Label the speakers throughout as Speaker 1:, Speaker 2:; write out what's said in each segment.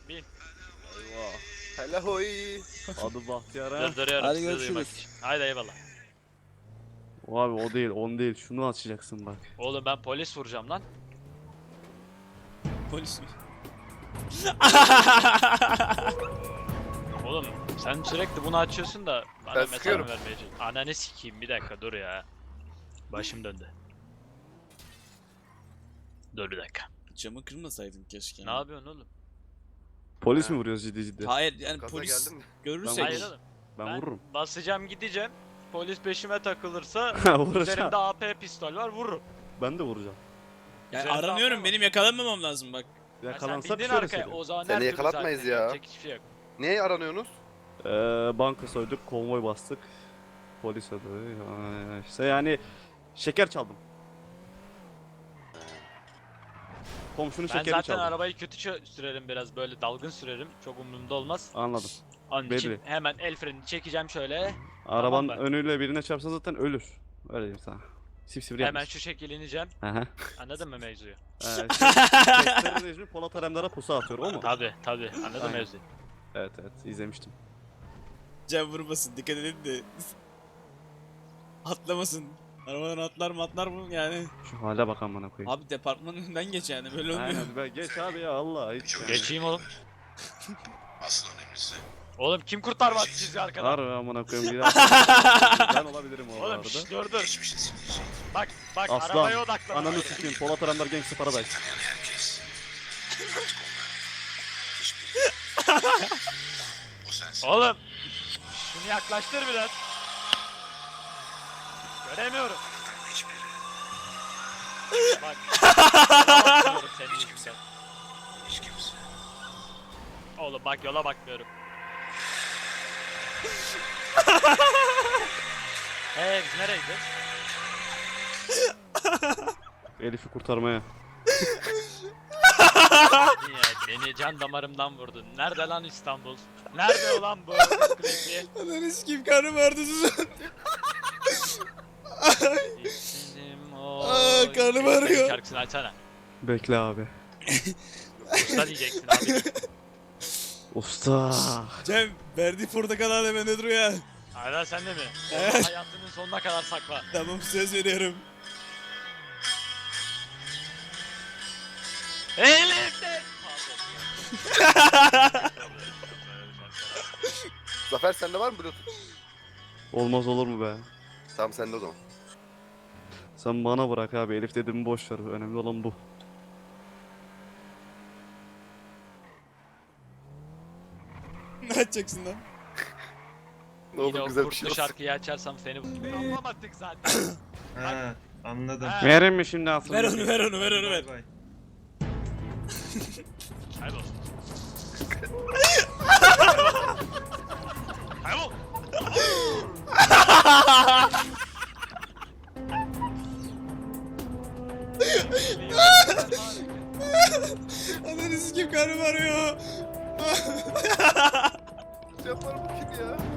Speaker 1: Bin.
Speaker 2: Eyvah.
Speaker 3: Hele hoy.
Speaker 2: Adı Bahtiyar ha.
Speaker 1: Durduruyorum
Speaker 4: Hadi
Speaker 1: sizi
Speaker 4: görüşürüz.
Speaker 1: duymak için. Haydi eyvallah.
Speaker 2: O abi o değil, on değil. Şunu açacaksın bak.
Speaker 1: Oğlum ben polis vuracağım lan.
Speaker 4: Polis mi?
Speaker 1: Oğlum sen sürekli bunu açıyorsun da bana
Speaker 3: Ben
Speaker 1: mesaj
Speaker 3: sıkıyorum.
Speaker 1: mı vermeyeceksin? Ananı sikeyim bir dakika dur ya. Başım döndü. Dur bir dakika.
Speaker 4: Camı kırmasaydın keşke.
Speaker 1: Ne yapıyorsun oğlum?
Speaker 2: Polis
Speaker 3: Ha.
Speaker 2: mi vuruyoruz ciddi ciddi?
Speaker 4: Hayır yani
Speaker 3: Gaza
Speaker 4: polis
Speaker 3: geldim mi?
Speaker 4: görürsek.
Speaker 1: Hayır oğlum.
Speaker 2: Ben vururum.
Speaker 1: Basacağım gideceğim. Polis peşime takılırsa
Speaker 2: Vuracağım.
Speaker 1: üzerimde AP pistol var vururum.
Speaker 2: Ben de vuracağım.
Speaker 4: Yani
Speaker 1: Üzerinde
Speaker 4: aranıyorum,
Speaker 1: atma.
Speaker 4: benim yakalanmamam lazım bak.
Speaker 1: Ya sen
Speaker 2: Yakalansa bir
Speaker 1: bindin
Speaker 2: şey
Speaker 1: arkaya
Speaker 2: söyleyeyim.
Speaker 1: o zaman
Speaker 3: Seni
Speaker 1: her türlü
Speaker 3: yakalatmayız
Speaker 1: zaten
Speaker 3: ya.
Speaker 1: yapacak hiçbir şey yok.
Speaker 3: Niye aranıyorsunuz?
Speaker 2: Banka soyduk, konvoy bastık. Polis ödedi. İşte yani şeker çaldım. Komşunun
Speaker 1: Ben
Speaker 2: şekerini
Speaker 1: zaten
Speaker 2: çaldım.
Speaker 1: arabayı kötü sürerim biraz böyle dalgın sürerim. Çok umurumda olmaz.
Speaker 2: Anladım.
Speaker 1: Onun
Speaker 2: Belli.
Speaker 1: için hemen el frenini çekeceğim şöyle.
Speaker 2: Arabanın
Speaker 1: ben.
Speaker 2: önüyle birine çarpsa zaten ölür. Öyle diyeyim sana. Sipsivri
Speaker 1: Hemen
Speaker 2: yapmış.
Speaker 1: şu şekil ineceğim.
Speaker 2: Aha.
Speaker 1: Anladın mı mevzuyu?
Speaker 2: Tekstleri Necmi Polat Alemdar'a pusu atıyor o mu?
Speaker 1: Tabi anladın
Speaker 2: Aynen.
Speaker 1: mevzuyu.
Speaker 2: Evet izlemiştim.
Speaker 4: Cam vurmasın, dikkat edin de. Atlamasın. Arabadan atlar mı yani?
Speaker 2: Şu hale bak amına koyayım.
Speaker 4: Abi departmanın önünden geç yani, böyle olmuyor.
Speaker 2: Aynen be geç abi ya Allah hiç.
Speaker 1: Geçeyim oğlum.
Speaker 5: Asıl önemlisi.
Speaker 1: Oğlum kim kurtarmaz sizi arkadan?
Speaker 2: Harbi amına koyayım bir ben olabilirim o
Speaker 1: Oğlum
Speaker 2: arada.
Speaker 1: şşş dur.
Speaker 5: Geçmişin silecek.
Speaker 1: Bak
Speaker 2: Aslan,
Speaker 1: arabaya odaklan.
Speaker 2: Ananı sikeyim Polat Alemdar Gangsta Paradise.
Speaker 5: Tanıyan herkes. Hiçbiri. O sensin.
Speaker 1: Oğlum. Şunu yaklaştır biraz. Göremiyorum.
Speaker 5: Hiçbiri.
Speaker 1: Bak. Bakmıyorum senin yüzünden.
Speaker 5: Hiç kimse.
Speaker 1: Oğlum bak yola bakmıyorum. Biz nereye gidiyoruz?
Speaker 2: Elif'i kurtarmaya.
Speaker 1: Niye? Beni can damarımdan vurdun. Nerede lan İstanbul? Nerede ulan bu? Klipli?
Speaker 4: Ananı sikeyim, karnım ağrıdı susun. Aa, karnım ağrıyor.
Speaker 1: Şarkısını açsana.
Speaker 2: Bekle abi.
Speaker 1: Usta diyeceksin abi.
Speaker 2: Usta.
Speaker 4: Cem, verdiği portakal hala bende duruyor ya.
Speaker 1: Hala sende mi?
Speaker 4: Evet.
Speaker 1: Hayatının sonuna kadar sakla.
Speaker 4: Tamam, söz veriyorum.
Speaker 1: Elif'te!
Speaker 3: Zafer sende var mı Bluetooth?
Speaker 2: Olmaz olur mu be?
Speaker 3: Tamam sende o zaman.
Speaker 2: Sen bana bırak abi Elif dediğimi boş ver. Önemli olan bu.
Speaker 4: Ne yapacaksın lan?
Speaker 3: Ne
Speaker 1: Yine
Speaker 3: olur
Speaker 1: o
Speaker 3: güzel bir
Speaker 1: kurtlu
Speaker 3: şey olsun.
Speaker 1: şarkıyı açarsam seni anlamadık zaten.
Speaker 6: Ha, anladım.
Speaker 1: Ha.
Speaker 2: Verin mi şimdi aslında?
Speaker 4: Ver onu, ver onu, ver onu, ver.
Speaker 6: Bay bay.
Speaker 1: Kaybol. Kaybol.
Speaker 4: Ananı sikeyim, karnım ağrıyor.
Speaker 3: Yapar bu kim ya?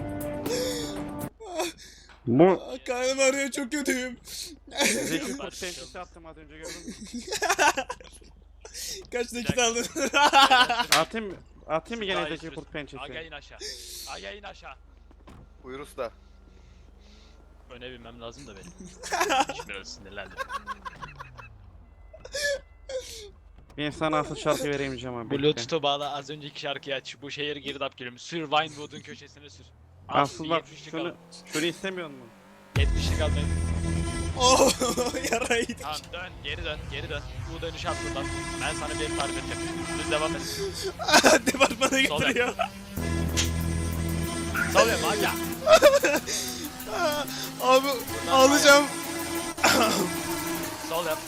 Speaker 2: Bu
Speaker 4: Karnım ağrıyor, çok kötüyüm.
Speaker 2: Zeki Kurt pençesi attım az önce gördün mü?
Speaker 4: Kaç nakit aldın?
Speaker 2: Atayım mı gene
Speaker 1: Daha
Speaker 2: Zeki
Speaker 1: iyi
Speaker 2: Kurt pençesi?
Speaker 1: Aga in aşağı. Aga in aşağı.
Speaker 3: Buyur usta.
Speaker 1: Öne binmem lazım da benim. Biraz sinirlendim.
Speaker 2: Ben sana asıl şarkı veremeyeceğim abi. bekle.
Speaker 1: Bluetooth'u bağla az önceki şarkıyı aç. Bu şehir girdap gülüm. Sür Vinewood'un köşesine sür.
Speaker 2: Asıl bak
Speaker 1: 70'lik
Speaker 2: şunu istemiyor musun?
Speaker 1: 70'lik al benim.
Speaker 4: Oh, yarayı.
Speaker 1: Tamam geri dön. Bu dönüşü at buradan. Ben sana bir tarif edeceğim. Düz devam et.
Speaker 4: Departmana
Speaker 1: Sol
Speaker 4: götürüyor.
Speaker 1: Sol yap aga.
Speaker 4: Abi ağlayacağım.
Speaker 1: Sol yap.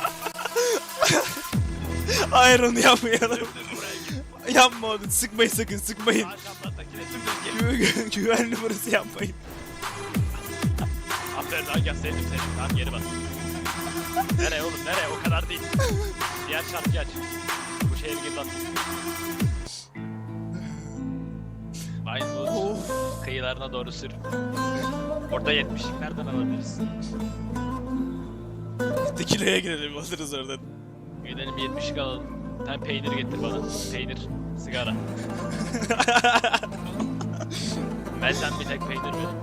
Speaker 4: Hayır, onu yapmayalım.
Speaker 1: Buraya git.
Speaker 4: Yapma onu, sıkmayın sakın, sıkmayın.
Speaker 1: Sağ şaplattakine dümdüz gel.
Speaker 4: Güvenli burası, yapmayın.
Speaker 1: Aferin aga sevdim seni. Tamam geri bas. Nereye oğlum nereye? O kadar değil. Diğer şarkıyı aç. Bu şehir girdap. Vinewood kıyılarına doğru sür. Orada 70'lik nereden alabiliriz?
Speaker 4: Tekile'ye girelim, alırız oradan.
Speaker 1: Gidelim 70'lik alalım. Bir tane peynir getir bana. Peynir, sigara. Benden bir tek peynir verin.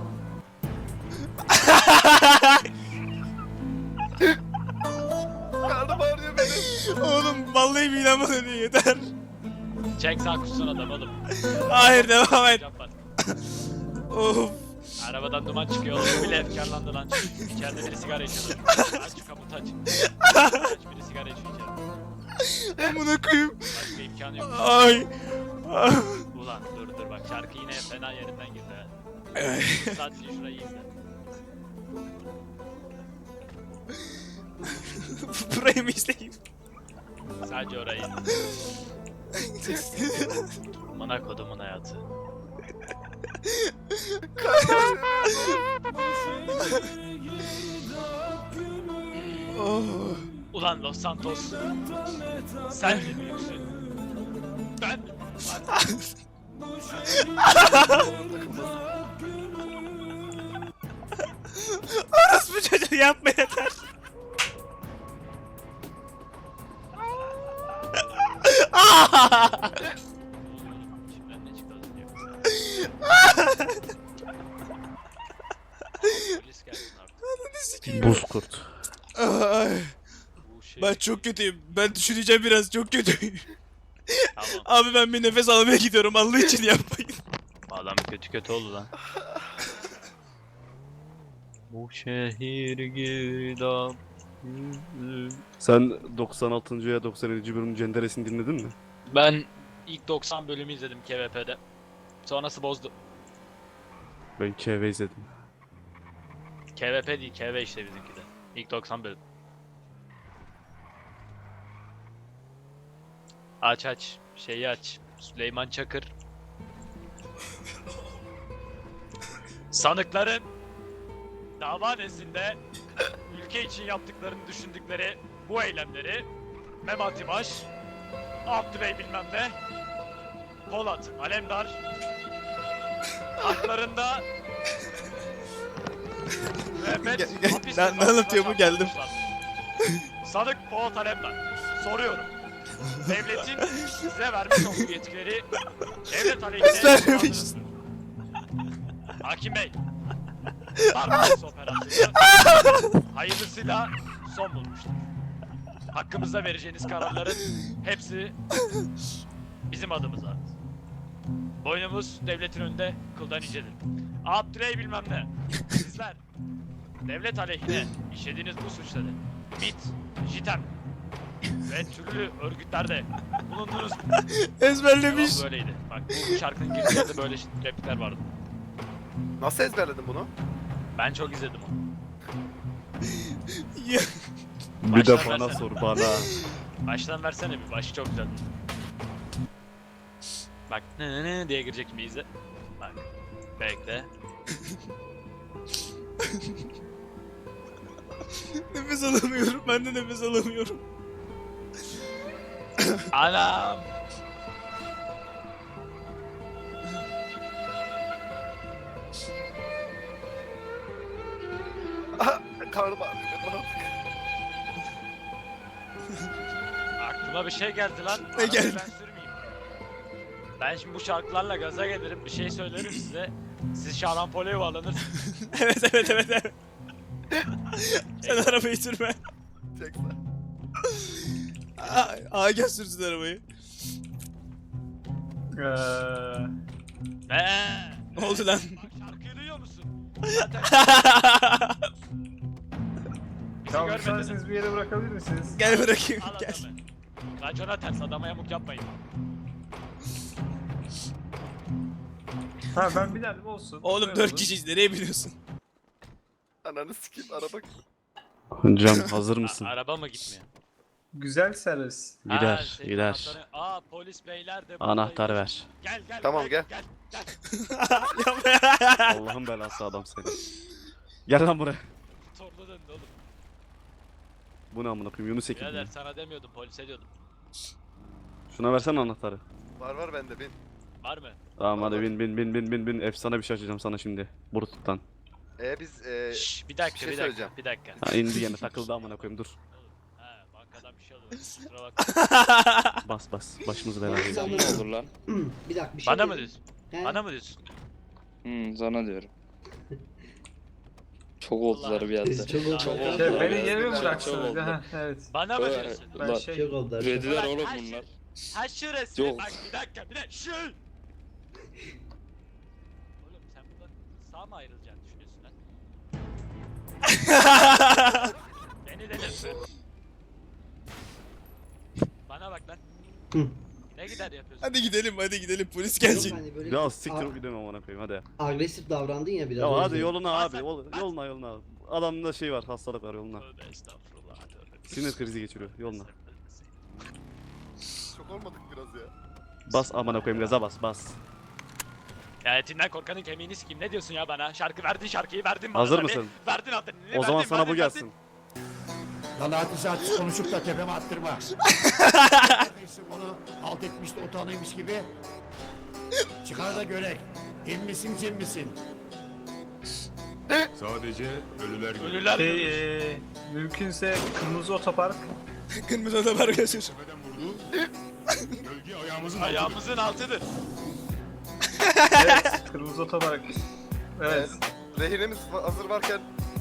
Speaker 3: Karnım ağrıyor benim.
Speaker 4: Oğlum vallahi midem bulanıyor yeter.
Speaker 1: Çek sağ kussun adam oğlum.
Speaker 4: Hayır devam et.
Speaker 1: Yapar.
Speaker 4: Of.
Speaker 1: Arabadan duman çıkıyor oğlum. Bile efkarlandı lan. İçeride biri sigara içiyor. Aç şu kaputu aç. Aç biri sigara içiyor içeride.
Speaker 4: Amına koyayım.
Speaker 1: Başka imkanı yok.
Speaker 4: Ay.
Speaker 1: Ulan dur bak şarkı yine fena yerinden girdi ha. Sadece şurayı izle.
Speaker 4: Burayı mı izleyeyim?
Speaker 1: Sadece orayı. Amına kodumun hayatı.
Speaker 4: Oh.
Speaker 1: Ulan Los Santos. Sen de büyüksün. Ben mi?
Speaker 4: Orospu çocuğu yapma yeter.
Speaker 1: İçimden ne çıktı az önce? Polis gelsin artık.
Speaker 2: Buz kurt.
Speaker 4: Ay.
Speaker 1: Bu şey...
Speaker 4: Ben çok kötüyüm. Ben düşüneceğim biraz çok kötüyüm.
Speaker 1: Tamam.
Speaker 4: Abi ben bir nefes almaya gidiyorum. Allah için yapmayın.
Speaker 1: Adam kötü oldu lan. Bu şehir girdap.
Speaker 2: Sen 96. ya 97. bölümün Cenderesini dinledin mi?
Speaker 1: Ben ilk 90 bölümü izledim KVP'de. Sonrası bozdu.
Speaker 2: Ben KV izledim.
Speaker 1: KVP değil, KV işte bizimki de. İlk 90 bölüm. Aç. Şeyi aç. Süleyman Çakır. Sanıkların dava nezdinde ülke için yaptıklarını düşündükleri bu eylemleri Mehmet İmaş, Abdüley bilmem ne, Polat Alemdar haklarında müebbet hapis
Speaker 4: Ne
Speaker 1: cezasına
Speaker 4: anlatıyor bu? Geldim.
Speaker 1: çarptırılmışlar. Sanık Polat Alemdar. Soruyorum. Devletin size vermiş olduğu yetkileri devlet aleyhine
Speaker 4: Vermemiş.
Speaker 1: kullandınız mı? Hakim Bey. Barbaros operasyonu hayırlısıyla son bulmuştur. Hakkımızda vereceğiniz kararların hepsi bizim adımıza. Boynumuz devletin önünde kıldan incedir. Abdüley bilmem ne. Sizler devlet aleyhine işlediğiniz bu suçları MİT, JITEM ve türlü örgütlerde bulundunuz.
Speaker 4: Ezberlemiş.
Speaker 1: Cevabı böyleydi. Bak bu şarkının girişlerinde böyle replikler vardı.
Speaker 3: Nasıl ezberledin bunu?
Speaker 1: Ben çok izledim onu.
Speaker 4: Ya.
Speaker 2: Bir de
Speaker 1: Baştan
Speaker 2: bana
Speaker 1: versene.
Speaker 2: sor bana.
Speaker 1: Baştan versene bir. Başı çok güzel. Bak ne diye girecek şimdi izle. Bak. Bekle.
Speaker 4: Nefes alamıyorum. Ben de nefes alamıyorum.
Speaker 1: Anam.
Speaker 3: Aha, karnım ağrıyor. Bana
Speaker 1: Aklıma bir şey geldi lan.
Speaker 4: Ne
Speaker 1: Arabayı
Speaker 4: geldi?
Speaker 1: Ben sürmeyeyim. Ben şimdi bu şarkılarla gaza gelirim. Bir şey söylerim size. Siz şarampole yuvarlanırsınız.
Speaker 4: Evet. Sen arabayı sürme.
Speaker 3: çekse.
Speaker 4: Agah sürsün arabayı. Ne oldu lan?
Speaker 1: Bak şarkıyı duyuyor musun? Zaten bizi
Speaker 7: Tamam,
Speaker 1: görmediniz.
Speaker 7: müsaitseniz bir yere bırakabilir misiniz?
Speaker 4: Gel bırakayım.
Speaker 1: Al
Speaker 4: Gel.
Speaker 1: adamı. Racona ters adama yamuk yapmayın.
Speaker 7: Ha ben binerdim olsun.
Speaker 4: Oğlum
Speaker 7: Böyle
Speaker 4: 4
Speaker 7: olur.
Speaker 4: kişiyiz. Nereye biniyorsun?
Speaker 3: Ananı sikeyim araba.
Speaker 2: Cem hazır mısın?
Speaker 1: Araba mı gitmiyor?
Speaker 7: Güzel servis.
Speaker 2: Gider,
Speaker 1: senin
Speaker 2: gider.
Speaker 1: anahtarı- Aa polis beyler de
Speaker 2: Anahtar
Speaker 1: buradaymış.
Speaker 2: ver.
Speaker 1: Gel.
Speaker 3: Tamam,
Speaker 1: gel.
Speaker 2: Allah'ın belası adam seni. Gel lan buraya.
Speaker 1: Torlu döndü oğlum.
Speaker 2: Bu ne amına koyayım Yunus Ekin.
Speaker 1: Birader
Speaker 2: mi?
Speaker 1: sana demiyordum polise diyordum.
Speaker 2: Şuna versene anahtarı.
Speaker 3: Var bende bin.
Speaker 1: Var mı?
Speaker 2: Tamam hadi
Speaker 3: Olur.
Speaker 2: bin. Efsane bir şey açacağım sana şimdi. Brutus'tan.
Speaker 3: Biz
Speaker 1: Şşş bir dakika
Speaker 3: bir şey
Speaker 1: bir dakika
Speaker 3: söyleyeceğim.
Speaker 1: bir dakika.
Speaker 2: Ha indi gene takıldı amına koyayım dur.
Speaker 1: Ha bak arkadan bir şey oluyor. Kusura bakma.
Speaker 2: Bas. Başımız belaya.
Speaker 8: Sanırım.
Speaker 9: olur lan?
Speaker 8: Bir dakika bir şey
Speaker 1: Bana mı
Speaker 8: dedim.
Speaker 1: diyorsun?
Speaker 8: He?
Speaker 1: Bana mı diyorsun?
Speaker 9: Sana diyorum. Çok oldular bir anda.
Speaker 8: Çok oldu.
Speaker 9: Çok
Speaker 7: Ya
Speaker 9: oldu.
Speaker 7: beni yere mi
Speaker 9: Çok
Speaker 7: bıraksınız?
Speaker 9: oldu.
Speaker 7: Ha, evet.
Speaker 1: Bana mı
Speaker 9: Evet.
Speaker 1: diyorsun?
Speaker 7: Ben
Speaker 9: Ulan,
Speaker 7: şey...
Speaker 8: Çok oldu.
Speaker 9: Rediler
Speaker 1: Ulan
Speaker 9: oğlum
Speaker 1: her
Speaker 9: bunlar.
Speaker 1: Ha şurası.
Speaker 9: Yok.
Speaker 1: Bak bir dakika. Şu. Oğlum sen buradan sağ mı ayrılacağını düşünüyorsun lan? Beni delirtme. Bana bak lan.
Speaker 8: Hı.
Speaker 1: Ne gider yapıyorsun?
Speaker 4: Hadi gidelim polis
Speaker 8: Yok,
Speaker 4: gelecek.
Speaker 8: hani böyle
Speaker 2: Ya siktir gidemem amına koyayım hadi.
Speaker 8: agresif davrandın ya biraz.
Speaker 2: Ya
Speaker 8: o
Speaker 2: hadi
Speaker 8: yüzden.
Speaker 2: yoluna abi.
Speaker 1: Bas.
Speaker 2: Yoluna. Adamda şey var, hastalık var yoluna.
Speaker 1: Tövbe estağfurullah. Tövbe.
Speaker 2: Sinir krizi geçiriyor yoluna.
Speaker 3: Çok olmadık biraz ya.
Speaker 2: Bas amına koyayım gaza bas.
Speaker 1: Ya etinden korkanın kemiğini sikeyim. Ne diyorsun ya bana? Şarkıyı verdin bana.
Speaker 2: Hazır
Speaker 1: tabii.
Speaker 2: mısın?
Speaker 1: Verdin adını.
Speaker 2: O zaman sana bu gelsin.
Speaker 10: Lan hadise konuşup da tepeme attırma. Onu alt etmiş de utanıymış gibi. Çıkar da görek. İn misin cin misin?
Speaker 5: Sadece ölüler görür.
Speaker 1: Ölüler görür.
Speaker 7: Mümkünse kırmızı otopark.
Speaker 4: Kırmızı otobar götür.
Speaker 5: Tepeden vurdu. Gölge ayağımızın altında.
Speaker 1: Ayağımızın altıdır.
Speaker 7: Evet, kırmızı otopark. Evet.
Speaker 3: Rehinemiz hazır varken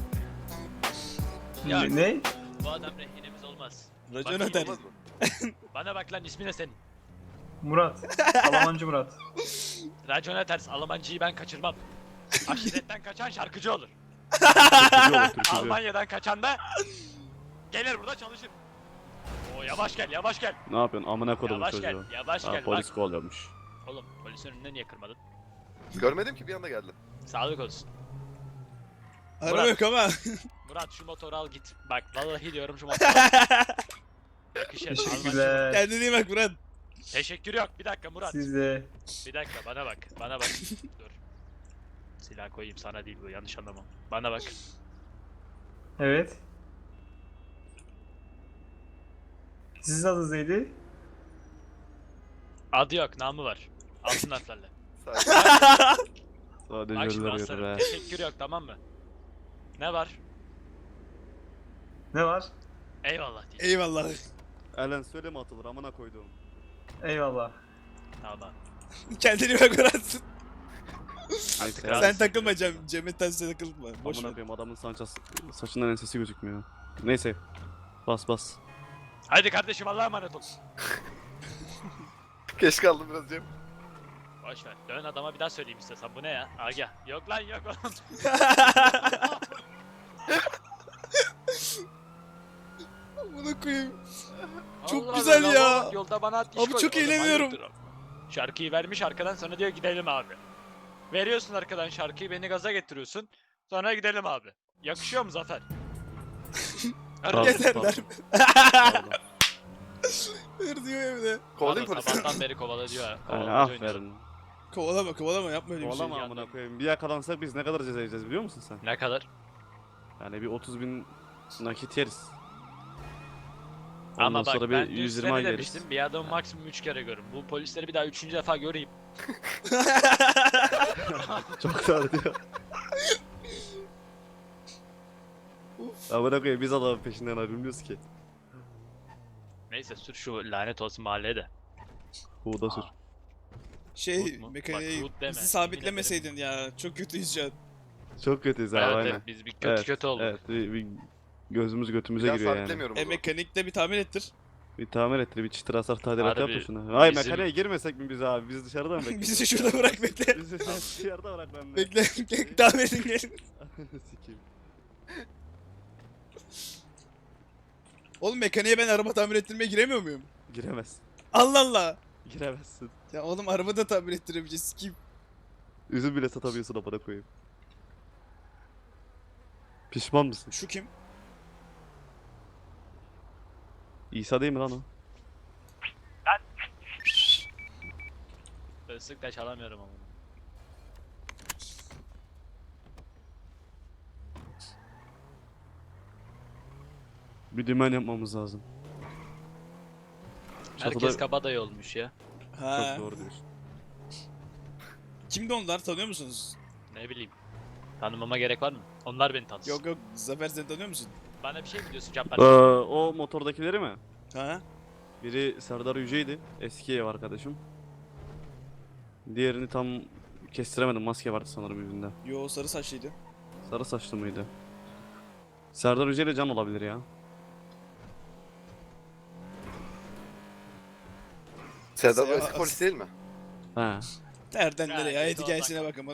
Speaker 1: Ya.
Speaker 7: Ne?
Speaker 1: Bu adam rehinemiz olmaz.
Speaker 4: Racon
Speaker 1: Bak,
Speaker 4: öder.
Speaker 3: olmaz mı?
Speaker 1: Bana bak lan ismi ne senin?
Speaker 7: Murat. Almancı Murat.
Speaker 1: Racona ters Almancıyı ben kaçırmam. Aşiretten kaçan şarkıcı olur.
Speaker 2: Türkücü olur türkücü.
Speaker 1: Almanya'dan kaçan da gelir burada çalışır. Oo yavaş gel.
Speaker 2: Ne yapıyorsun amına koydum
Speaker 1: Yavaş
Speaker 2: çocuğu.
Speaker 1: gel, yavaş
Speaker 2: Ha,
Speaker 1: gel.
Speaker 2: polis
Speaker 1: Bak.
Speaker 2: kovalıyormuş.
Speaker 1: Oğlum polisin önüne niye kırmadın?
Speaker 3: Görmedim ki bir anda geldi.
Speaker 1: Sağlık olsun.
Speaker 4: Araba
Speaker 1: Murat.
Speaker 4: yok ama.
Speaker 1: Murat şu motoru al git. Bak vallahi diyorum şu motoru al. Yakışır. Almancı.
Speaker 7: Teşekkürler.
Speaker 4: Kendine iyi bak Murat.
Speaker 1: Teşekkür yok. Bir dakika Murat.
Speaker 7: Siz de.
Speaker 1: Bir dakika bana bak. Dur. Silah koyayım sana değil bu yanlış anlama. Bana bak.
Speaker 7: Evet. Sizin adınız neydi?
Speaker 1: Adı yok namı var. Altın harflerle.
Speaker 3: Sadece
Speaker 2: Sadece
Speaker 1: Bak şimdi
Speaker 2: ölüler görür
Speaker 1: aslanım.
Speaker 2: ha.
Speaker 1: Teşekkür yok tamam mı? Ne var?
Speaker 7: Ne var?
Speaker 1: Eyvallah diye.
Speaker 4: Eyvallah.
Speaker 2: Elen söyle mi atılır amına koydum.
Speaker 7: Eyvallah.
Speaker 1: Tamam.
Speaker 4: Kendine iyi bak Murat.
Speaker 2: Neyse
Speaker 1: Kral.
Speaker 4: Sen takılma Cem'in tersine takılma. Boş
Speaker 2: amına
Speaker 4: ver.
Speaker 2: koyayım adamın saçından ensesi gözükmüyor. Neyse. Bas.
Speaker 1: Hadi kardeşim Allah'a emanet ol.
Speaker 3: geç kaldım biraz Cem.
Speaker 1: Boş ver. Dön adama bir daha söyleyeyim istersen. Bu ne ya? Agah. Yok lan yok oğlum.
Speaker 4: Bunu koyayım. Çok
Speaker 1: Allah
Speaker 4: güzel
Speaker 1: Allah,
Speaker 4: ya.
Speaker 1: bak, Yolda bana at
Speaker 4: Abi çok eğleniyorum.
Speaker 1: Şarkıyı vermiş arkadan sonra diyor gidelim abi. Veriyorsun arkadan şarkıyı beni gaza getiriyorsun. Sonra gidelim abi. Yakışıyor mu Zafer?
Speaker 2: Pardon,
Speaker 4: Yeter
Speaker 2: pardon.
Speaker 4: lan. Hır diyor evde.
Speaker 3: Kovalayayım
Speaker 1: Pardon,
Speaker 3: polisi.
Speaker 1: sabahtan beri kovala diyor.
Speaker 2: Yani
Speaker 1: Kovalamacı oynuyor.
Speaker 2: aferin.
Speaker 4: Kovalama yapma öyle bir şey.
Speaker 2: Oğlama amına koyayım. Bir yakalansak biz ne kadar ceza yiyeceğiz biliyor musun sen?
Speaker 1: Ne kadar?
Speaker 2: Yani bir 30.000 nakit yeriz.
Speaker 1: Ama
Speaker 2: Ondan
Speaker 1: bak
Speaker 2: sonra
Speaker 1: ben
Speaker 2: bir
Speaker 1: dün
Speaker 2: 120
Speaker 1: size
Speaker 2: ay
Speaker 1: ne
Speaker 2: yeriz.
Speaker 1: demiştim? Bir adamı maksimum 3 kere görün. Bu polisleri bir daha 3. defa göreyim.
Speaker 2: Çok dar diyor. Amına koyayım biz adamın peşinden ayrılmıyoruz ki.
Speaker 1: Neyse sür şu lanet olsun mahalleye de.
Speaker 2: Huğda sür.
Speaker 4: Şey
Speaker 1: Hood mu? Bak,
Speaker 4: mekaniği
Speaker 1: hood deme,
Speaker 4: bizi
Speaker 1: yemin
Speaker 4: sabitlemeseydin ya. Çok kötüyüz şu an.
Speaker 2: Çok kötüyüz abi
Speaker 1: Evet,
Speaker 2: aynen.
Speaker 1: evet, biz bir kötü olduk.
Speaker 2: Evet bir gözümüz götümüze
Speaker 3: Bir daha
Speaker 2: giriyor yani.
Speaker 3: sabitlemiyorum o zaman.
Speaker 4: Mekanikte bir tamir ettir.
Speaker 2: Bir tamir ettir bir çıtır hasar tadilat
Speaker 1: Harbi,
Speaker 2: yap da şuna. Ay
Speaker 1: bizim-
Speaker 2: mekaniğe girmesek mi biz abi? Biz dışarıda mı bekliyoruz?
Speaker 4: Bizi şurada bırak bekle.
Speaker 2: Bizi dışarıda bırak ben de.
Speaker 4: Bekle. Tamir edin gelin.
Speaker 2: Sikeyim.
Speaker 4: Oğlum mekaniğe ben araba tamir ettirmeye giremiyor muyum?
Speaker 2: Giremezsin.
Speaker 4: Allah Allah.
Speaker 2: Giremezsin.
Speaker 4: Ya oğlum araba da tamir ettiremeyeceğiz. Kim?
Speaker 2: Üzüm bile satamıyorsun amına koyayım. Pişman mısın?
Speaker 4: Şu kim?
Speaker 2: İsa değil mi lan o?
Speaker 1: Islık da çalamıyorum ama.
Speaker 2: Bir dümen yapmamız lazım.
Speaker 1: Herkes
Speaker 2: Çatıda-
Speaker 1: kabadayı olmuş ya.
Speaker 4: Ha.
Speaker 2: Çok doğru diyorsun.
Speaker 4: Kimdi onlar tanıyor musunuz?
Speaker 1: Ne bileyim. Tanımama gerek var mı? Onlar beni tanısın.
Speaker 4: Yok Zafer sen tanıyor musun?
Speaker 1: Bana bir şey mi diyorsun Cabbar?
Speaker 2: O motordakileri mi?
Speaker 4: Ha?
Speaker 2: Biri Serdar Yüce'ydi. Eski ev arkadaşım. Diğerini tam kestiremedim. Maske vardı sanırım yüzünde.
Speaker 4: Yo sarı saçlıydı.
Speaker 2: Sarı saçlı mıydı? Serdar Yüce ile Can olabilir ya.
Speaker 3: Serdar
Speaker 4: Ya,
Speaker 3: eski polis değil mi?
Speaker 2: He.
Speaker 4: Nereden
Speaker 1: Ya,
Speaker 4: nereye?
Speaker 1: kötü
Speaker 4: Hayat
Speaker 1: olsan
Speaker 4: hikayesine
Speaker 1: kal.
Speaker 4: bakın bana.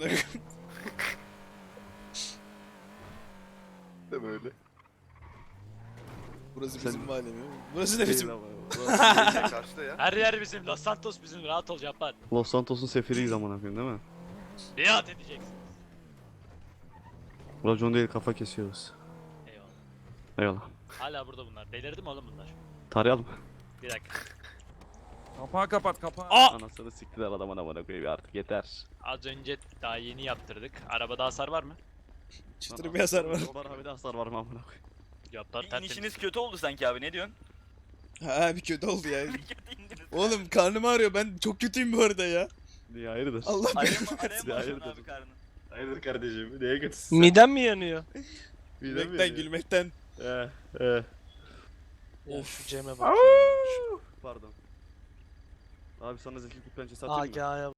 Speaker 3: Değil mi öyle?
Speaker 4: Burası
Speaker 2: Sen-
Speaker 4: bizim mahalle mi? Burası ne bizim?
Speaker 2: Değil ama.
Speaker 3: Şey karşıda ya.
Speaker 1: Her yer bizim. Los Santos bizim. Rahat ol Cabbar.
Speaker 2: Los Santos'un sefiriyiz amına koyayım değil mi?
Speaker 1: Biat edeceksin.
Speaker 2: Racon değil kafa kesiyoruz.
Speaker 1: Eyvallah.
Speaker 2: Eyvallah.
Speaker 1: Hala burada bunlar. Delirdi mi oğlum bunlar?
Speaker 2: Tarayalım.
Speaker 1: Bir dakika.
Speaker 5: Kapağı kapat kapağı.
Speaker 2: Anasını siktiler adamın amına koyayım artık yeter.
Speaker 1: Az önce daha yeni yaptırdık. Arabada hasar var mı?
Speaker 4: Çıtır bir hasar var.
Speaker 2: Var abi de hasar var mı amına koyayım.
Speaker 1: Cabbar tertemiz.
Speaker 11: İnişiniz kötü oldu sanki abi ne diyorsun?
Speaker 4: Ha bir kötü oldu ya.
Speaker 11: Kötü indiniz.
Speaker 4: Oğlum karnım ağrıyor. Ben çok kötüyüm bu arada ya.
Speaker 2: Niye hayırdır?
Speaker 4: Allah
Speaker 11: Araya
Speaker 4: belanı
Speaker 11: mı
Speaker 4: versin.
Speaker 11: başladın
Speaker 2: hayırdır?
Speaker 11: abi karnın?
Speaker 2: Hayırdır kardeşim? Neye kötüsün?
Speaker 1: Midem mi yanıyor?
Speaker 4: Gülmekten gülmekten.
Speaker 1: Of Cem'e bak.
Speaker 2: Pardon. Abi sana zeki pençesi atayım mı?